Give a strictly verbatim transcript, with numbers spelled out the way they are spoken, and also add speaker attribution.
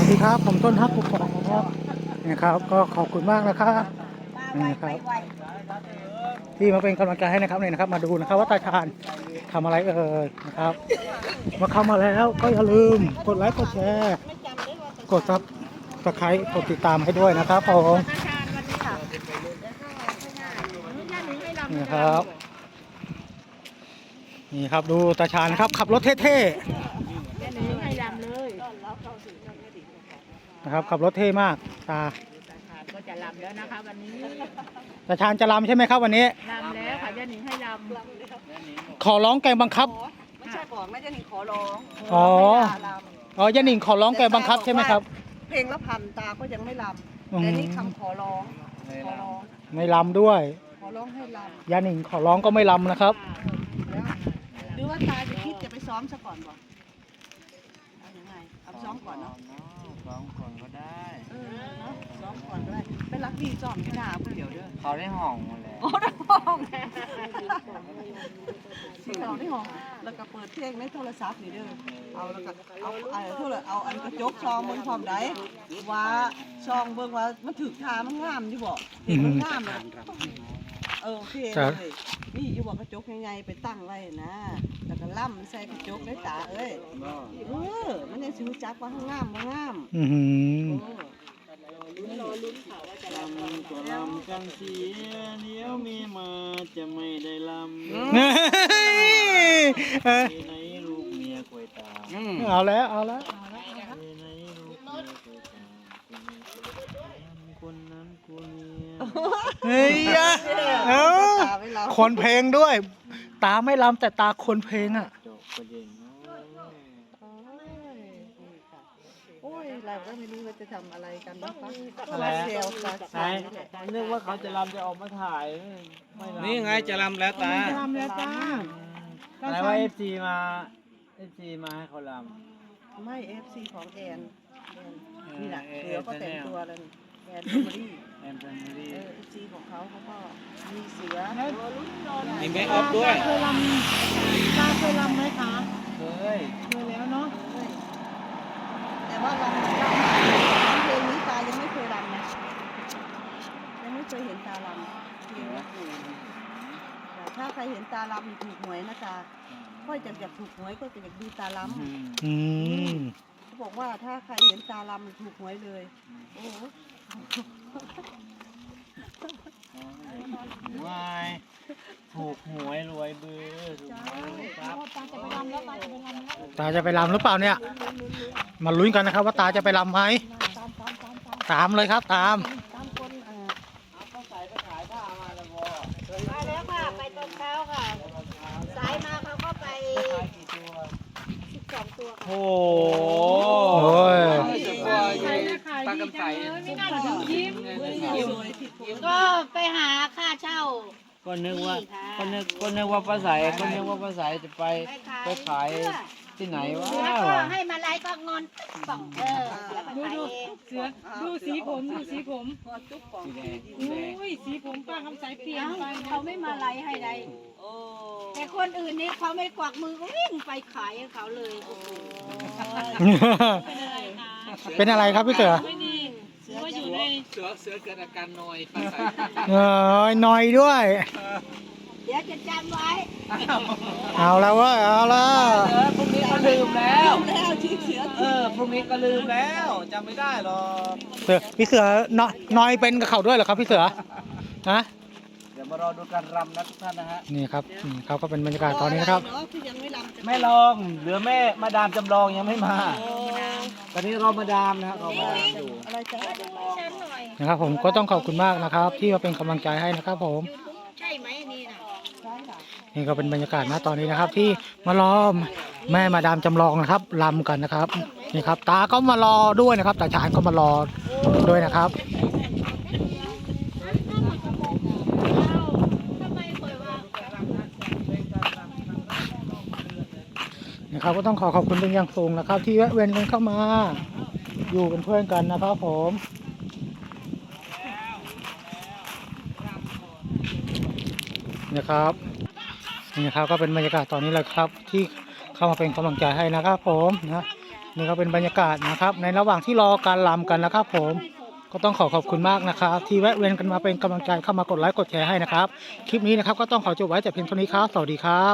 Speaker 1: สดีครับผมต้นฮักกุกกอกนะครับนะครับก็ขอบคุณมากนะครับนะครับที่มาเป็นกำลังใจให้นะครับเนี่ยนะครับมาดูนะครับว่าตาชาญทำอะไรเอ่ยนะครับมาเข้ามาแล้วก็อย่าลืมกดไลค์กดแชร์กดซับสไครต์กดติดตามให้ด้วยนะครับผมนี่ครับนี่ครับดูตาชาญนะครับขับรถเท่ๆนะครับขับรถเท่มากตา
Speaker 2: ก็จะลำแล้วนะคะวันนี้
Speaker 1: ตาชาญจะลำใช่ไหมครับวันนี้
Speaker 2: ลำแล้วค่ะย่าหนิงให้ลำ
Speaker 1: ขอร้องแกงบังคับ
Speaker 3: ไม่ใช่บอกไม่ย่าหนิงขอร้อง
Speaker 1: อ๋ออ๋อย่าหนิงขอร้องแกงบังคับใช่ไหมครับ
Speaker 3: เพลงละพันตาก็ยังไม่ลำแต่นี่คำขอร้องขอร้อง
Speaker 1: ไม่ลำด้วย
Speaker 3: ขอร้องให้ล
Speaker 1: ำย่าหนิงขอร้องก็ไม่ลำนะครับ
Speaker 3: หรือว่าตาจะคิดจะไปซ้อมซะก่อนบ่เอายังไงเอาซ้อมก่อนเนาะ
Speaker 4: ซ้อมก่อนก็ได้
Speaker 3: เออเนาะซ้อมก่อนก็ได้ไปรักดีซ้อมที่หน้าผู้เดียวเด้อ
Speaker 4: เขาได้ห้องมาแล้ว
Speaker 3: โอ้ได้ห้องที่เขาได้ห้องแล้วก็เปิดเพลงในโทรศัพท์นี่เด้อเอาแล้วก็เอาเอาโทรเอาอันกระจกซองเบิ่งพร้อมได้ว่าซองเบิ่งว่ามันถึกทามันงามอยู่บ่เห็นมันงามเลยเออโอเคเลยนี่อยู่บอกกระจกใหญ่ๆไปตั้งไว้นะแล้วก็ล่ำใส่กระจกได้ตาเอ้ยเออมันยังสิรู้จักว่าข้างงามบ่งาม
Speaker 1: อือหือ
Speaker 4: ลำก็ลำกันเสียเดี๋ยวมีมาจะไม่ได้ลำในลูกเมียคอยตา
Speaker 1: เอาแล้วเอาแล้ว
Speaker 4: ในลูกเมียคอยตาคนนั้นคนนี้
Speaker 1: เฮ้ยเออคนเพลงด้วยตาไม่ลำแต่ตาคนเพลงอ่ะ
Speaker 3: โอ้ยเราก็ไม่รู้ว่าจะทำอะไรกันนะคะ
Speaker 4: เซลล์ใช่นึกว่าเขาจะลำจะออกมาถ่ายนี่ไงจะลำแล้วตา
Speaker 3: จะลำแล้วจ้า
Speaker 4: อะไรว่าเอฟซีมาเอฟซีมาให้เขาล
Speaker 3: ำไม่เอฟซีของแอนนี่แหละเสือก็แต่งตัวแล้วนี่แอนเฟมิลี่
Speaker 4: แอนเฟมิลี่
Speaker 3: เออเอฟซีของเขาเขาก็มีเสือ
Speaker 4: มีเมคอัพด้วย
Speaker 3: เคยลำตาเคยลำไหมคะ
Speaker 4: เคย
Speaker 3: เคยแล้วเนาะแต่ว่าลำลำเพลงนี้ตายังไม่เคยลำนะยังไม่เคยเห็นตาลำเพลงนี้แต่ถ้าใครเห็นตาลำถูกหวยนะตาค่อยจะอยากถูกหวยก็จะอยากดูตาลำ
Speaker 1: อืม
Speaker 3: เขาบอกว่าถ้าใครเห็นตาลำถูกหวยเลยโอ้
Speaker 4: วายถูกหวยรวยเบือถูกหวยครับ
Speaker 1: ตาจะไปลำหรือเปล่าเนี่ยมาลุ้นกันนะครับว่าตาจะไปลำไหมตามเลยครับตาม
Speaker 2: มาแล้วค่ะไปตอนเช้าค่ะสายมาเขาก็ไปสิบสองตัว
Speaker 4: โอ้
Speaker 1: โห
Speaker 4: ตากำไส
Speaker 2: ก็ไปหาค่าเช่า
Speaker 4: ก็นึกว่าก็นึกก็นึกว่าป้าใสก็นึกว่าป้าใสจะไปไปขายที่ไหนวะ
Speaker 2: ให้มาไล่ก็งอนสองเออดูดู
Speaker 5: เสือดูสีผมดูสีผมอุ้ยสีผมป้าคำใสเปลี่ยนไป
Speaker 2: เขาไม่มาไล่ให้ใดแต่คนอื่นนี่เขาไม่กวักมือก็วิ่งไปขายให้เขาเลย
Speaker 1: เป็นอะไรครับพี่เสือ
Speaker 5: ไม่ดีเสืออยู่ใน
Speaker 4: เสือเสือเกิดอาการนอยป้าใส
Speaker 1: เออนอยด้วย
Speaker 2: เดี๋ยวจะจำไว้
Speaker 1: เอาแล้วว่าเอาแล้ว
Speaker 4: พรุ่งนี้ก็ลืมแล้วเออพรุ่งนี้ก็ลืมแล้วจำไม่ได้หรอก
Speaker 1: เสือพี่เสือนอยเป็นกับเขาด้วยเหรอครับพี่เสือฮะ
Speaker 4: เดี๋ยวมารอดูการรำนะทุกท่านนะฮะ
Speaker 1: นี่ครับนี่เขาก็เป็นบรรยากาศตอนนี้นะครับ
Speaker 4: ไม่ลองเหลือแม่มาดามจำลองยังไม่มาตอนนี้รอมาดามนะครับรอมาดามอยู่
Speaker 1: นะครับผมก็ต้องขอบคุณมากนะครับที่มาเป็นกำลังใจให้นะครับผม
Speaker 2: ใช่ไหมนี่นะ
Speaker 1: นี่ก็เป็นบรรยากาศนะตอนนี้นะครับที่มารอแม่มาดามจำลองนะครับรำกันนะครับนี่ครับตาก็มารอด้วยนะครับตาชาญก็มารอด้วยนะครับนะครับก็ต้องขอขอบคุณเป็นอย่างสูงนะครับที่แวะเวียนกันเข้ามาอยู่เป็นเพื่อนกันนะครับผมนะครับนี่ครับก็เป็นบรรยากาศตอนนี้แหละครับที่เข้ามาเป็นกำลังใจให้นะครับผมนะนี่ก็เป็นบรรยากาศนะครับ ในระหว่างที่รอการรำกันนะครับ ผมก็ต้องขอขอบคุณมากนะครับ ที่แวะเวียนกันมาเป็นกำลังใจเข้ามากดไลค์กดแชร์ให้นะครับ คลิปนี้นะครับก็ต้องขอจบไว้แต่เพียงเท่านี้ครับสวัสดีครับ